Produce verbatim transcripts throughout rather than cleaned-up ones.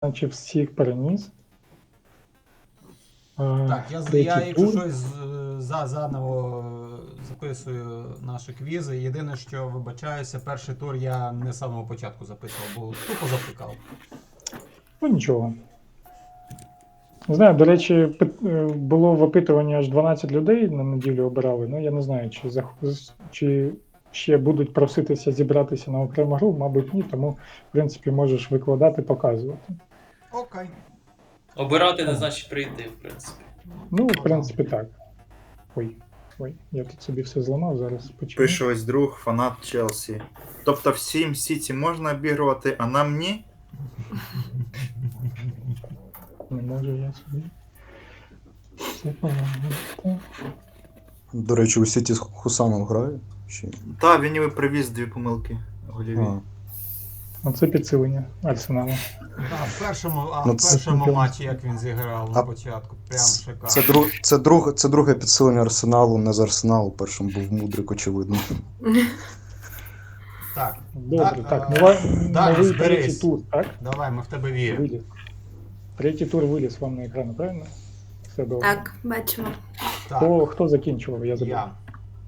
Наче всіх переніс. Е, Так, я, з- третій я якщо тур. щось з- за, заново е, записую наші квізи. Єдине, що вибачаюся, перший тур я не з самого початку записував, бо тупо завтикав. Ну нічого. Не знаю, до речі, пит- е, було в опитуванні аж дванадцять людей на неділю обирали. Ну я не знаю, чи, зах- чи ще будуть проситися зібратися на окрему гру, мабуть, ні, тому, в принципі, можеш викладати, показувати. Окей. Обирати не Ага. значить прийти, в принципі. Ну, в Подам. принципі, так. Ой, ой, я тут собі все зламав, зараз почему. Пише ось друг, фанат Челсі. Тобто всім Сіті можна обігрувати, а нам ні? Не можу я собі. Все погано. До речі, у Сіті з Хусаном грає? Чи... Та, він ніби привіз дві помилки голіві. А, Оце підсилення Арсеналу. Да, в першому, а Ну, в це- першому матчі, як він зіграв на А- початку, прям шикарно. це, друг, це, друг, це друге підсилення Арсеналу, не з Арсеналу. Першим був Мудрик, очевидно. Так, Добре, Да, так, а, нова, Далі, новий третій зберись. тур, так? давай, ми в тебе віримо. Виліз. Третій тур виліз вам на екран, правильно? Все добре. Так, бачимо. Так, Хто, хто закінчував, я забув. я.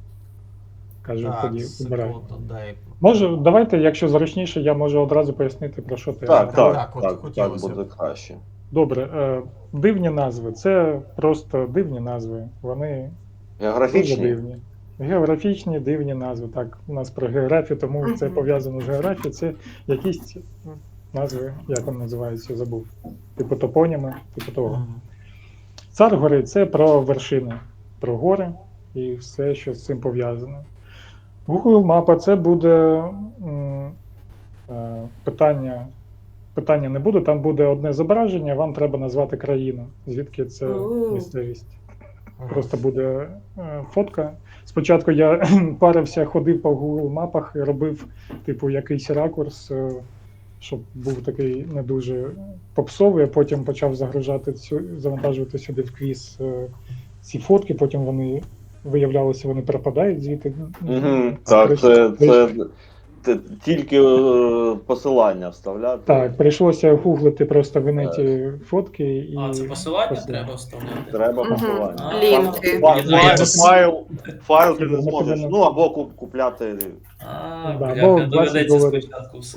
Кажу, Так, тоді обирай. секунду, дай. Може, давайте, якщо зручніше, я можу одразу пояснити, про що ти. Так, Так, так, так, от так, так, хотілося б. буде краще. Добре, е, дивні назви. Це просто дивні назви. Вони дуже Географічні? дивні. Географічні дивні назви. Так, у нас про географію, тому це Мгм. пов'язано з географією. Це якісь назви, як вони називаються, забув. Типу топоніми, типу того. Мгм. Цар гори це про вершини, про гори і все, що з цим пов'язано. Google мапа це буде м, е, питання. Питання не буде, там буде одне зображення, вам треба назвати країну, звідки це О. місцевість. Просто буде е, фотка. Спочатку я парився, ходив по Google мапах і робив, типу, якийсь ракурс, е, щоб був такий не дуже попсовий, а потім почав загружати цю, завантажувати сюди в квіз е, ці фотки, потім вони виявлялося, вони пропадають звідти. Угу, так, це, це, це тільки е, посилання вставляти. Так, прийшлося гуглити просто в інеті фотки і. А, це посилання посилання. треба вставляти? Треба Мгм. посилання. А, Лінки. Файл, Ну, я файл, тут- файл, файл ти Я не не зможеш. повинен. Ну або куп- купляти. А, Да, бляха, бо двадцять доведеться доларів. спочатку все.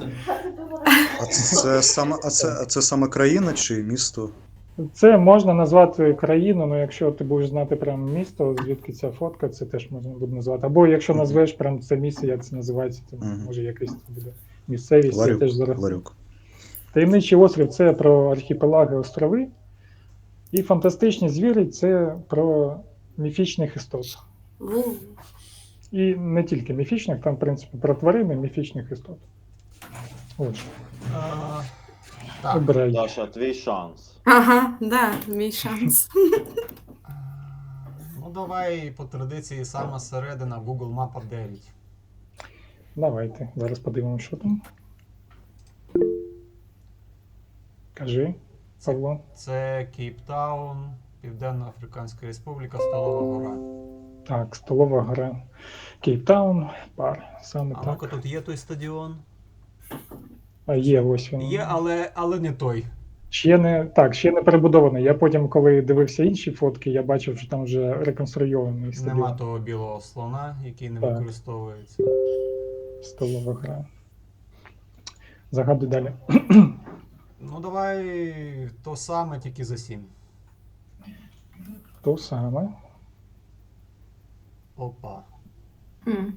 А це, це, саме, а це, а це саме країна чи місто? Це можна назвати країну, але якщо ти будеш знати прям місто, звідки ця фотка, це теж можна буде назвати. Або якщо Мгм. назвеш прям це місце, як це називається, то Мгм. може якась це буде місцевість. Це Ларюк. теж зараз. Ларюк. Таємничий острів це про архіпелаги, острови. І фантастичні звірі це про міфічних істот. Ву. І не тільки міфічних, там, в принципі, про тварини міфічних істот. Отже, Е, Так, обирай. Даша, твій шанс. Ага, да, мій шанс. е, ну давай по традиції сама середина Google Mapa дев'ять. Давайте, зараз подивимося, що там. Кажи, Павло. Це Кейптаун, Південно-Африканська Республіка, Столова Гора. Так, столова гора. Кейптаун, пар. Саме А так. ну-ка тут є той стадіон? А є, ось він. Є, але, але не той. Ще не так, ще не перебудований. Я потім, коли дивився інші фотки, я бачив, що там вже реконструйований стадіон. Нема того білого слона, який не Так. використовується. Столова гора. Загадуй далі. Ну давай то саме, тільки за сім. То саме. Опа. М.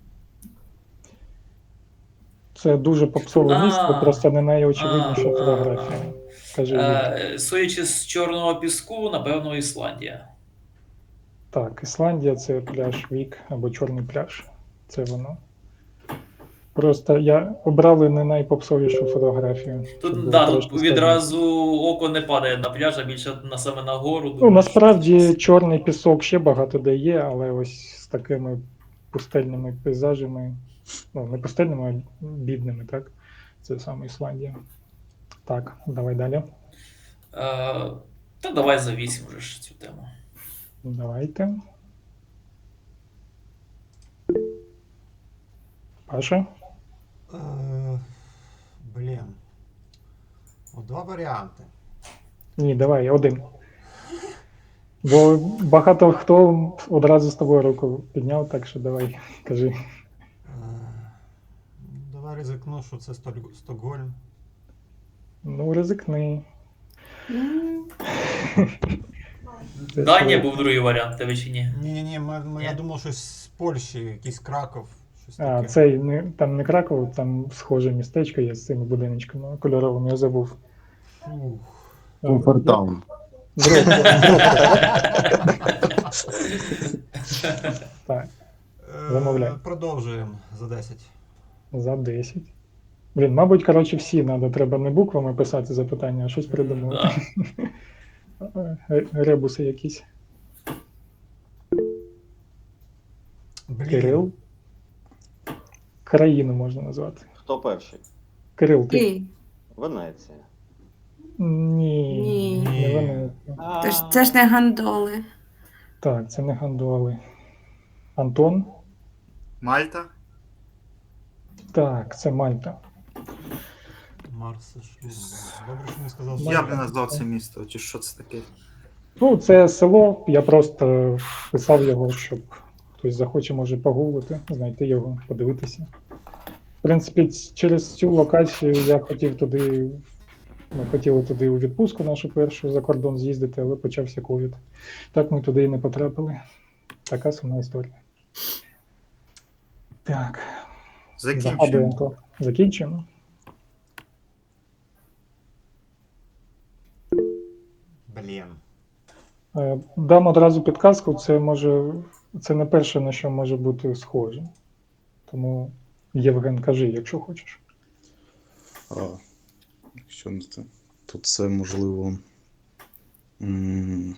Це дуже попсове А. місто, просто не найочевидніша А. фотографія. Кажи. Юрій. Е, Судячи з чорного піску, напевно, Ісландія. Так, Ісландія це пляж Вік або Чорний пляж. Це воно. Просто я обрали не найпопсовішу фотографію. щоб Тут, було да, тут трошки відразу око не падає на пляж, а більше на саме на гору. Ну, думаєш, насправді що це- чорний пісок ще багато де є, але ось з такими пустельними пейзажами, ну, не пустельними, а бідними, так? Це саме Ісландія. Так, давай далі. Е, Та давай за вісім вже ж цю тему. Давайте. Паша? Е, блін. О, два варіанти. Ні, давай, один. Бо багато хто одразу з тобою руку підняв, так що давай, кажи. Е, Давай ризикну, що це Столь- Стокгольм. Ну, ризикни. М, Це Данія своє. був другий варіант, тебе чи ні? Ні, ні, ми, ми, я Ні? думав, щось з Польщі, якийсь Краков, щось А, таке. цей не, там не Краков, там схоже містечко є з цими будиночками кольоровими, я забув. Фух. Комфортаун. Брод- Так, Е, Замовляй. Продовжуємо за десять. за десять. Блін, мабуть, коротше, всі надо, треба не буквами писати запитання, а щось придумати. Да. Е, Ребуси якісь. Блін. Кирил. Країну можна назвати. Хто перший? Кирил, ти. Ні. Венеція. Ні. Ні. Не вони. Це ж, це ж не гандоли. Так, це не гандоли. Антон. Мальта? Так, це Мальта. Марс Шлюм. Добре, що не сказав. Я б Мальта. не назвав це місто, чи що це таке? Ну, це село, я просто писав його, щоб хтось захоче, може погуглити, знайти його, подивитися. В принципі, ц- через цю локацію я хотів туди, ми хотіли туди у відпустку нашу першу за кордон з'їздити, але почався ковід. Так ми туди і не потрапили. Така сумна історія. Так, Закінчуємо. загадуємо. Закінчуємо. Блін. Е, Дам одразу підказку, це може, це не перше, на що може бути схоже. Тому, Євген, кажи, якщо хочеш. А, що не це? То це можливо. м,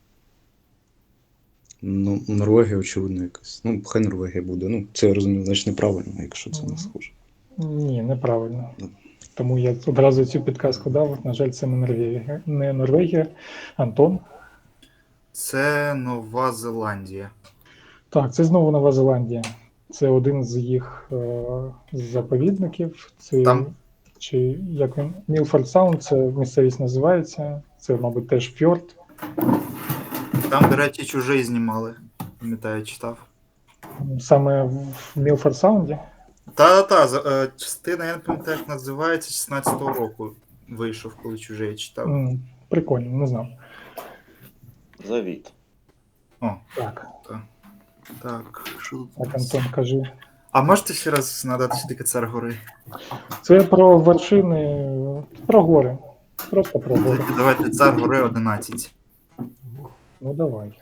Ну, Норвегія, очевидно, якась. Ну, хай Норвегія буде. Ну, це я розумію, значить неправильно, якщо це не Мгм. схоже. Ні, неправильно. Ну. Тому я одразу цю підказку дав. На жаль, це не Норвегія. Не Норвегія. Антон. Це Нова Зеландія. Так, це знову Нова Зеландія. Це один з їх е, заповідників. Це, Там- чи як він? Мілфорд Саунд, це місцевість називається. Це, мабуть, теж фьорд. Там, до речі, чужий знімали. Пам'ятаю, читав. Саме в Мілфорд Саунді. Та-та, за- е, частина, я не пам'ятаю, як називається, шістнадцятого року вийшов, коли чужий читав. М, Прикольно, не знав. Завіт. О, Так, так. Що тут? у так, нас? Антон, кажи. А можете ще раз нагадати, що таке цар гори? Це про вершини, про гори. Просто про гори. Давайте цар гори одинадцять. Ну давай.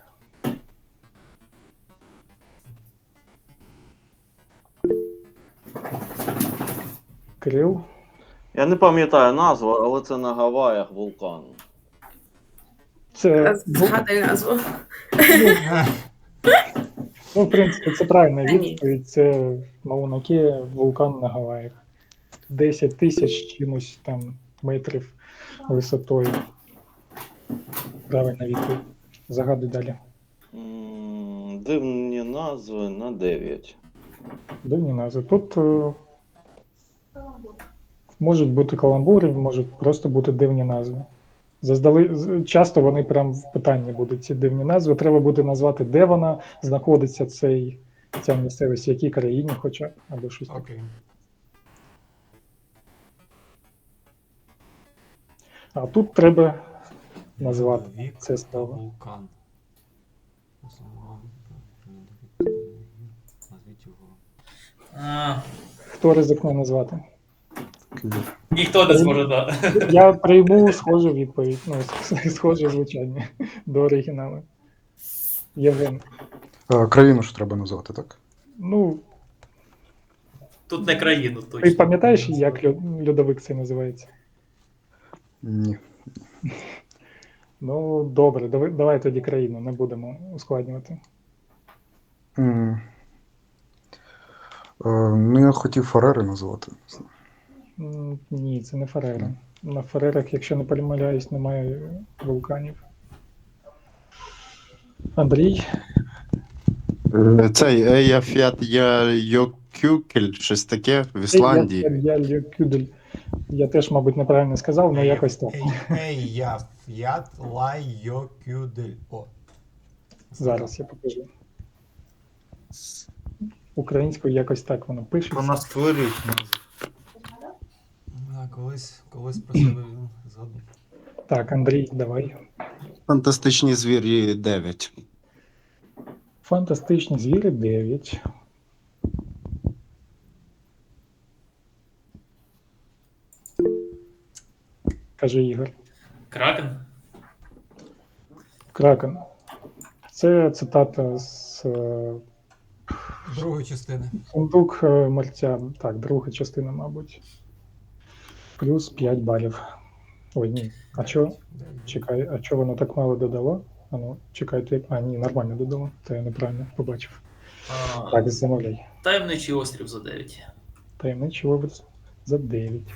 Кирил. Я не пам'ятаю назву, але це на Гаваях вулкан. Це, Згадай назву. ну, в принципі, це правильна Та ні. відповідь. Це Мауна-Кеа, вулкан на Гаваях. десять тисяч чимось там метрів висотою. Правильна відповідь. Загадуй далі. М, Дивні назви на дев'ять. Дивні назви. Тут е, можуть бути каламбури, можуть просто бути дивні назви. Заздали... з- Часто вони прям в питанні будуть ці дивні назви. Треба буде назвати, де вона знаходиться, цей, ця місцевість, в якій країні хоча б, або щось таке. Окей. А тут треба назвати Вік це слово. вулкан. Назвіть його. А, Хто ризикне назвати? ніхто не зможе, да. Я прийму схожу відповідь, ну, схоже звучання до оригіналу. Євген. А, країну ж треба назвати, так? Ну, Тут не країну ти точно. пам'ятаєш, як льо- льодовик це називається? Ні. Ну, добре, давай, давай тоді країну, не будемо ускладнювати. М. Е, Ну, я хотів Фарери назвати. М, Ні, це не Фарери. На Фарерах, якщо не помиляюсь, немає вулканів. Андрій, Е, Цей Еяфят Йокюкель, щось таке в Ісландії. Я, я, я, Кюдель. Я теж, мабуть, неправильно сказав, але якось так. Ей, ей, я, ф'ят, лай, йо, кюдель. О. Зараз я покажу. Українською якось так воно пишеться. Вона створюють назву. Да, колись, колись про себе він згадав. Так, Андрій, давай. Фантастичні звірі дев'ять. Фантастичні звірі дев'ять. Каже Ігор. Кракен. Кракен. Це цитата з е, Другої частини. Сундук е, мерця. Так, друга частина, мабуть. Плюс п'ять балів. Ой, ні. А що? Чекай, а що воно так мало додало? А ну, чекайте. А, ні, нормально додало. Це я неправильно побачив. А, Так, замовляй. Таємничий острів за дев'ять. Таємничий образ за дев'ять.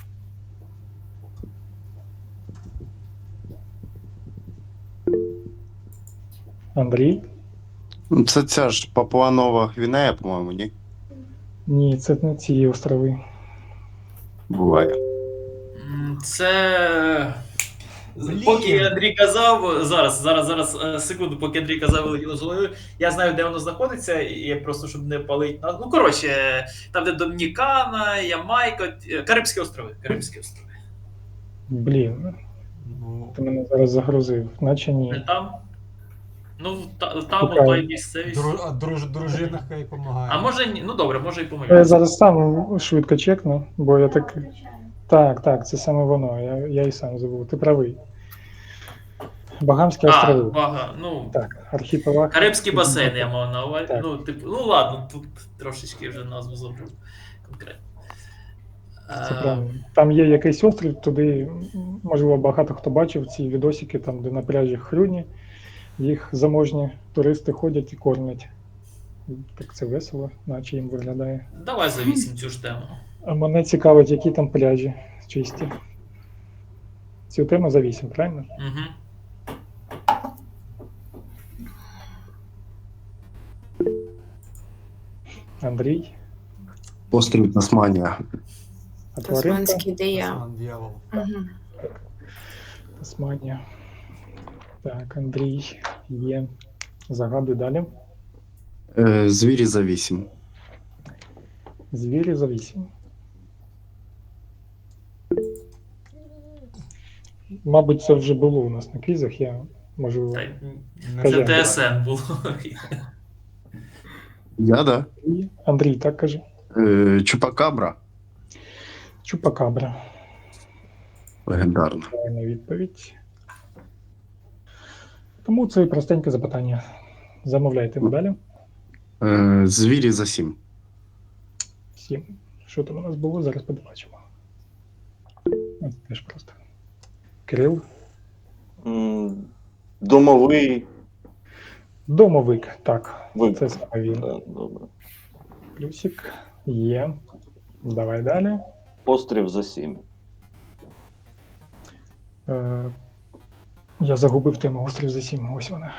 Андрій? Це ця ж Папуа-Нова Гвінея, по-моєму, ні? Ні, це не ці острови. Буває. М, Це. Блін. Поки Андрій казав, зараз, зараз, зараз, е, секунду, поки Андрій казав, вилетіло з голови, я знаю, де воно знаходиться, і я просто, щоб не палить. на- Ну, коротше, там, де Домінікана, Ямайка, е, Карибські острови. Карибські острови. Блін, Ну, ти мене зараз загрузив, наче Не ні. там? Ну, та, там Шукаю. отой місцевість. дру, а друж, дружина хай допомагає. А може ні, ну добре, може і Я помиляюся. зараз сам швидко чекну, бо я так. Так, так, це саме воно. Я, я і сам забув. Ти правий. Багамські А, острови. бага, ну, Так, архіпелаг. Карибський басейн я мав на увазі. Так. Ну, типу, ну ладно, тут трошечки вже назву забув конкретно. Це Е, правильно. Там є якийсь острів, туди, можливо, багато хто бачив ці відосики, там, де на пляжі Хрюні, їх заможні туристи ходять і кормять. Так це весело, наче їм виглядає. Давай за вісім цю ж тему. А мене цікавить, які там пляжі чисті. Цю тему за вісім, правильно? Угу. Андрій, Острів Тасманія. а тваринка? Тасманський диявол. Тасман дьявол. Угу. Тасманія. Так, Андрій є. Загадуй далі. Е, Звірі за вісім. Звірі за вісім. Мабуть, це вже було у нас на квізах, я можу. Та, Не Кажи. Це знаю. ТСН було. Я, да? І Андрій, так каже. Е, Чупакабра. Чупакабра. Легендарна. Правильна відповідь. Тому це простеньке запитання. Замовляйте далі. Е, Звірі за сім. Сім. Що там у нас було? Зараз побачимо. Ось теж просто. Кирил. М, Домовий. Домовик. Так, Вик. це саме він. Так, добре. Плюсик. Є. Давай далі. Острів за сім. Е, я загубив тему острів за сім. Ось вона.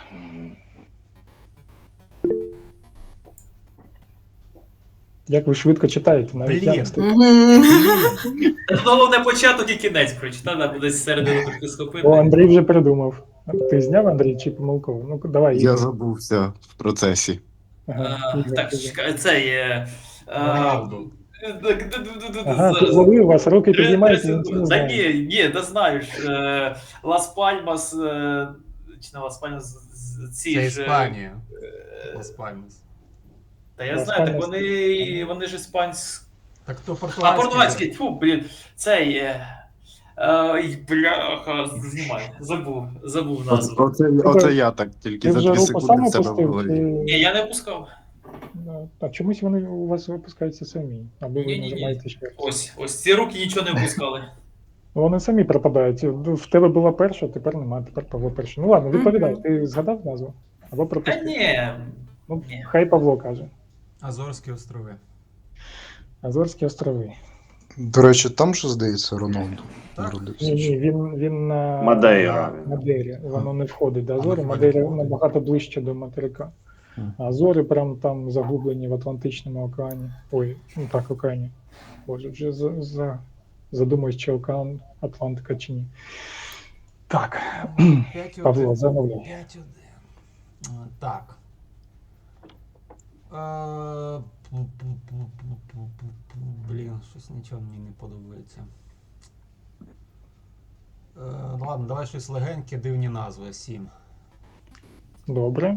Як ви швидко читаєте, навіть я Блін. не встиг. Тут головне початок і кінець прочитати, треба десь середину трохи схопити. О, Андрій вже придумав. Ти зняв, Андрій, чи помилково? Ну, давай. Я Ігор. забувся в процесі. Ага, А, Ігор, Так, ти- чекай, це є. а, Роналду. так, ду- ду- ду- ду- Ага, зараз. ти зловив, у вас руки Три- підіймаються, три він це не секунди. Та знає. ні, ні, не знаєш. Е, Лас Пальмас, е, чи не Лас Пальмас, з- з- ці Це ж. е, Іспанія. е, Лас Пальмас. Та я Лас знаю, так Пальмас. вони, вони ж іспанські. Так то А, португальський. португальський, фу, блін, цей. Е, Ай, бляха, знімай, забув, забув назву. Оце, оце я так Ти тільки за вже дві руку секунди сам в себе в опустив? голові. Чи... Ні, я не пускав. Ну, А чомусь вони у вас випускаються самі, або ви Ні-ні-ні. нажимаєте ще раз. Ось, ось ці руки нічого не впускали. Вони самі пропадають. В тебе була перша, тепер нема, тепер Павло перший. Ну ладно, відповідай, ти згадав назву? Або Та пропустив? ні. Ну, ні. хай Павло каже. Азорські острови. Азорські острови. До речі, там же, здається, Роналду Так. народився. Ні, ні, він, він на Мадейра. на Мадейрі. Воно не входить до А, Азори. не Мадейра входить. набагато ближче до материка. Мгм. А Азори прям там загублені в Атлантичному океані. Ой, ну так, океані. Боже, вже за, за задумуюсь, чи океан Атлантика чи ні. Так, п'ять один. Павло, замовляй. п'ять один. Так. Е, пу-пу-пу-пу-пу-пу-пу. Блін, щось нічого мені не подобається. Е, ну ладно, давай щось легеньке, дивні назви. Сім. Добре.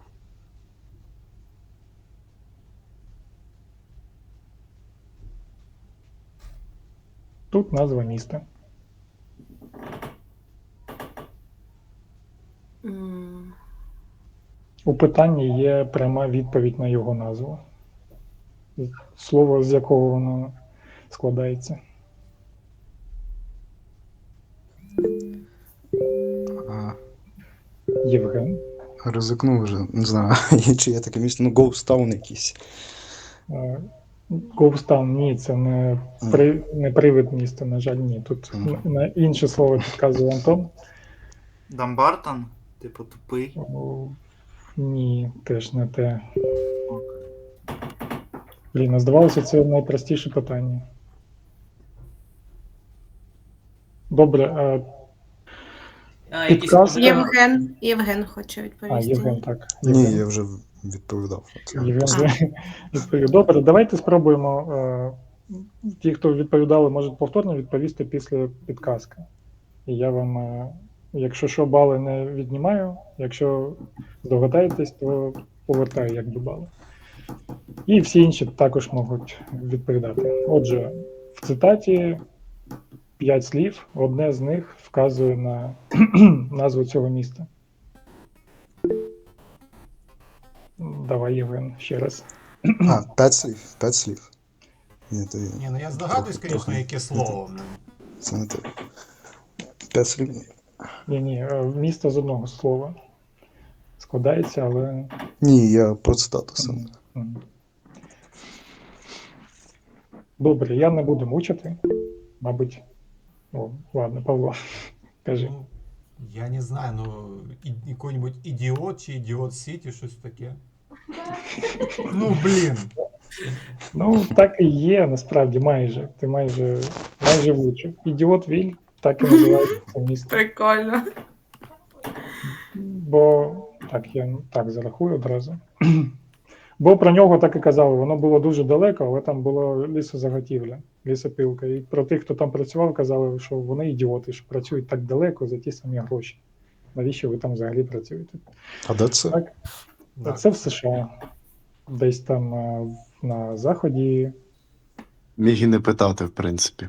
Тут назва міста. М, У питанні є пряма відповідь на його назву. Слово, з якого воно складається. А, Євген. ризикну вже, не знаю, чи є таке місто, ну Ghost Town якийсь. Говстан, ні, це не, при, не привид міста, на жаль, ні. Тут Мгм. на- на інше слово підказує Антон. Дамбартон? Типу тупий. О, ні, теж не те. Блін, а здавалося, це найпростіше питання. Добре, а, А, якісь Підказка. може- Євген. Євген хоче а відповісти. Євген, так. Ні, Євген. я вже відповідав. Це Євген просто- вже відповів. Добре, давайте спробуємо. е, Ті, хто відповідали, можуть повторно відповісти після підказки. І я вам, е, якщо що, бали не віднімаю, якщо здогадаєтесь, то повертаю якби бали. І всі інші також можуть відповідати. Отже, в цитаті п'ять слів, одне з них вказує на назву цього міста. Давай, Євген, ще раз. А, п'ять слів, п'ять слів. Ні, то Ні, ну я здогадуюсь, Трохи- звісно, яке слово. це не те. П'ять слів. Ні, ні, е, місто з одного слова складається, але. Ні, я про цитату саме. Мгм. Добре, я не буду мучити. Мабуть. О, ладно, Павло, кажи. Ну, я не знаю, ну, і- який-нибудь ідіот чи ідіот Сіті, щось таке. Ну, блін. Ну, так і є, насправді, майже. Ти майже майже влучив. Ідіот Віль, так і називається це місто. Прикольно. Бо так, я так зарахую одразу. Бо про нього так і казали, воно було дуже далеко, але там було лісозаготівля, лісопилка. І про тих, хто там працював, казали, що вони ідіоти, що працюють так далеко за ті самі гроші. Навіщо ви там взагалі працюєте? А де це? Так, Так. це в США. Десь там е, на заході. Міг і не питати, в принципі.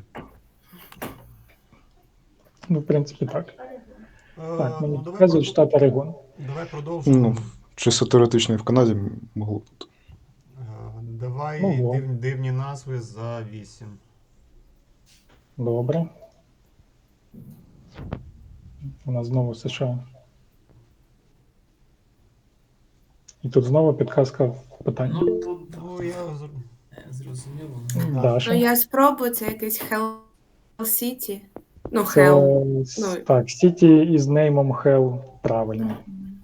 Ну, в принципі, так. Е, Так, мені ну, давай, показують продов- штат Орегон. давай продовжимо. Ну, чисто теоретично і в Канаді могло бути. Е, Давай Могло. див, дивні назви за вісім. Добре. У нас знову США. І тут знову підказка в питанні. Ну, тут Ну, я зр- е, зрозуміло. да. Даша. Ну я спробую, це якийсь Hell City. Ну, Це, Hell. с- Ну. так, Сіті із неймом Hell правильно.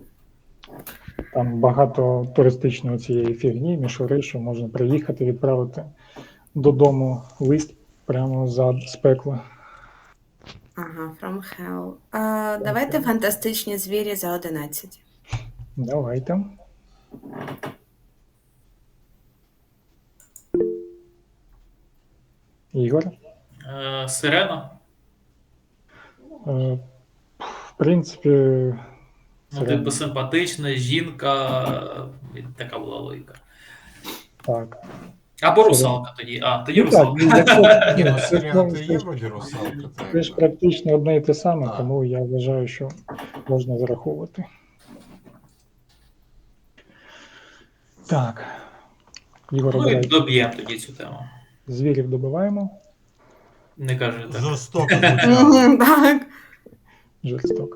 Там багато туристичної цієї фігні, мішури, що можна приїхати, відправити додому лист прямо за з пекла. Ага, From Hell. А, давайте фантастичні звірі за одинадцять. Давайте. Ігор. Е, Сирена. Е, В принципі, Ну, Сирена. типу, симпатична, жінка. е, Така була логіка. так. Або русалка тоді. А, тоді Ну, так, русалка. якщо- Ні, ну це, Сирена ну, це це є ж- вроді русалка. Це ж Так. практично одне і те саме, Так. тому я вважаю, що можна зараховувати. Так. Ігор, Ну і обирай. доб'ємо тоді цю тему. Звірів добиваємо. Не кажи так. Жорстоко звучало. Мгм, Так. Жорстоко.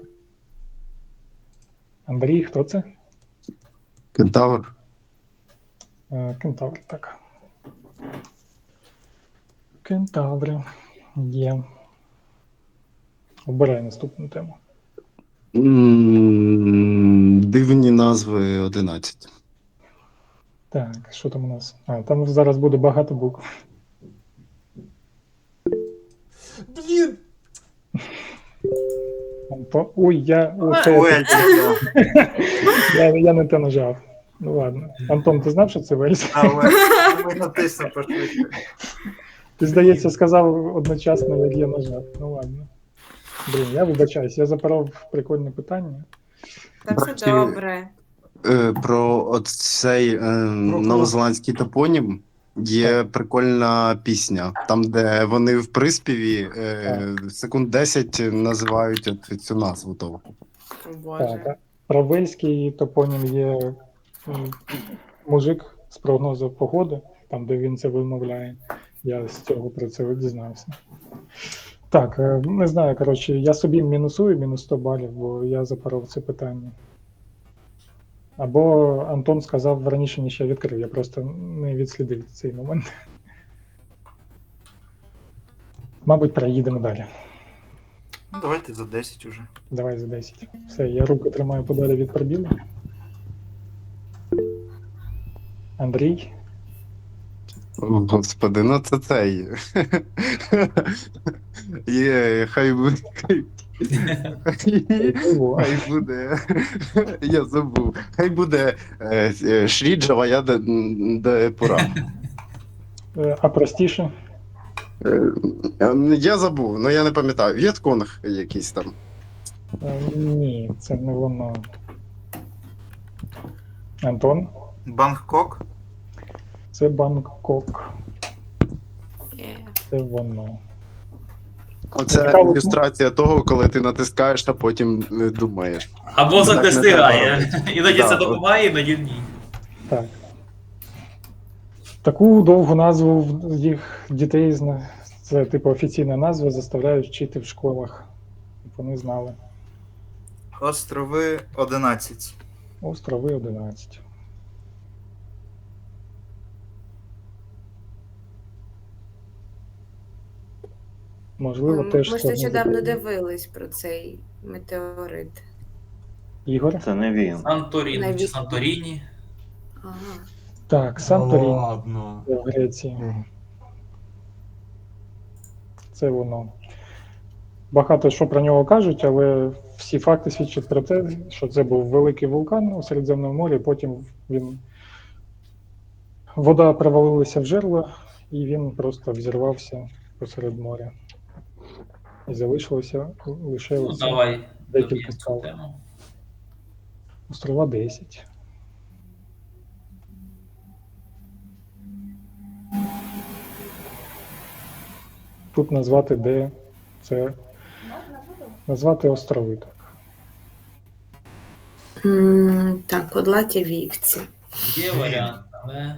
Андрій, хто це? Кентавр. Е, Кентавр, так. Кентаври. Є. Обирай наступну тему. М, Дивні назви одинадцять. Так, що там у нас? А, там зараз буде багато букв. Блін! Антон- Ой, я, оце, Ой, я, я не те нажав. Ну ладно. Антон, ти знав, що це Вельс? але ми натиснемо пошвидше. Ти, здається, сказав одночасно, як я нажав. Ну ладно. Блін, я вибачаюсь, я запоров прикольне питання. Та все Бачите, добре. Е, Про от цей е, новозеландський топонім є прикольна пісня, там, де вони в приспіві е, секунд десять називають от цю назву того. О, Так, Боже. а про вельський топонім є м, мужик з прогнозу погоди, там, де він це вимовляє. Я з цього про це дізнався. Так, е, не знаю, коротше, я собі мінусую мінус сто балів, бо я запоров це питання. Або Антон сказав раніше, ніж я відкрив, я просто не відслідив цей момент. Мабуть, проїдемо далі. Ну, давайте за десять уже. Давай за десять. Все, я руку тримаю подалі від пробілу. Андрій. О, Господи, ну це цей. Є, хай буде. Хай, Можливо. хай буде. Я забув. Хай буде е, е, Шріджава, я де, де пора. Е, А простіше? Е, Я забув, ну я не пам'ятаю. В'єтконг якийсь там. Е, Ні, це не воно. Антон, Бангкок. це Бангкок. Є. Це воно. Оце Цікаво. ілюстрація того, коли ти натискаєш, а потім е, думаєш. Або мозок Так не не встигає. Іноді Да, це от. допомагає, іноді ні. Так. Таку довгу назву в їх дітей зна- це типу офіційна назва, заставляють вчити в школах. Щоб вони знали. Острови одинадцять. Острови одинадцять. Можливо, Ми теж ми ж складно нещодавно запитання. дивились про цей метеорит. Ігор? Це не він. Санторіні чи Навіть- Санторіні. Ага. Так, Санторін Ладно. в Греції. Це воно. Багато що про нього кажуть, але всі факти свідчать про те, що це був великий вулкан у Середземному морі, потім він вода провалилася в жерло, і він просто взірвався посеред моря. І залишилося лише Ну, оце давай. декілька доб'ємо цю скал. тему. Острова десять. Тут назвати де це. Назвати острови так. М, Так, Подлаті вівці. Є варіант, але.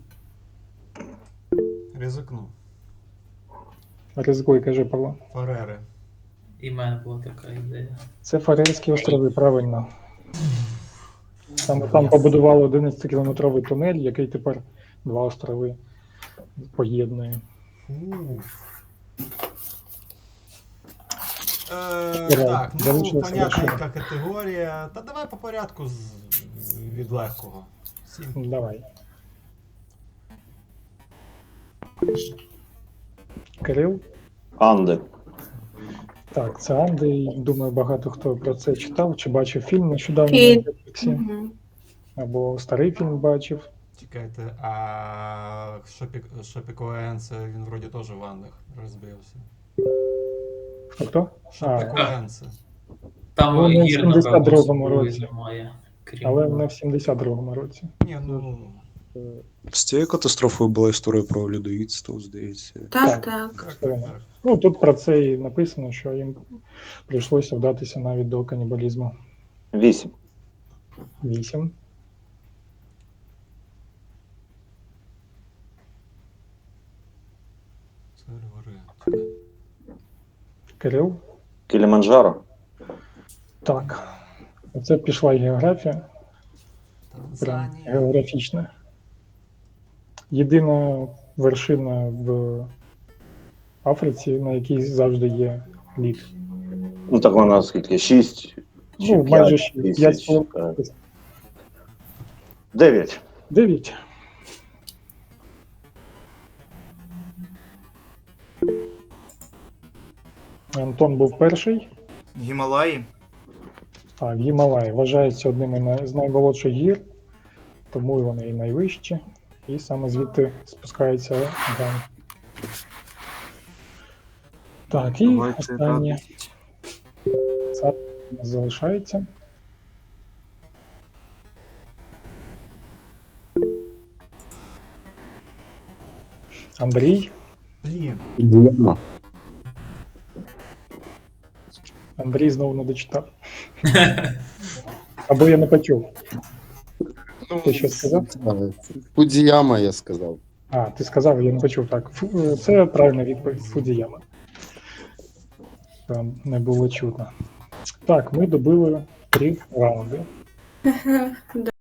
Ризикну. Ризикуй, кажи, Павло. Фарери. І в мене була така ідея. Це Фарерські острови, правильно. Саме там побудували одинадцятикілометровий тунель, який тепер два острови поєднує. Фу. Е, Ура, так, ну залишилося понятненька лише. категорія. Та давай по порядку з, від легкого. Сім. Давай. Кирил? Анди. Так, це Анди. і, Думаю, багато хто про це читав чи бачив фільм нещодавно Фільм. на Netflix, Мгм. або старий фільм бачив. Чекайте, а Шопік, Шопікоен, це він вроді теж в Андах розбився. Хто хто? А, Шопікоен це. Там Ну, не в гір, сімдесят напевно, другому особливо році. немає. Крім але не в сімдесят другому році. Ні, ну. З цією катастрофою була історія про людоїдство, здається. Так, Так. так. Так, Правильно. так. Ну, тут про це і написано, що їм прийшлося вдатися навіть до канібалізму. Вісім. Вісім. Це гори. Чекай. Кирил? Кіліманджаро. Так. Оце пішла і географія. Прям Танзанія. географічна. Єдина вершина в Африці, на якій завжди є лід. Ну так вона скільки? Шість. чи Ну, п'ять майже шість. тисяч, П'ять з так. половиною. Дев'ять. Дев'ять. Антон був перший. Гімалаї. Так, Гімалаї вважаються одними на- з наймолодших гір, тому і вони і найвищі. І саме звідти спускається Ган. Так, і Давайте останнє радість. це у нас залишається. Андрій. Блін. Дієма. Андрій знову не дочитав. Або я не почув. Ну, Ти що сказав? Фудзіяма, я сказав. А, ти сказав, я не почув. Так, Фу- це правильна відповідь. Фудзіяма. Там не було чутно. Так, ми добили три раунди.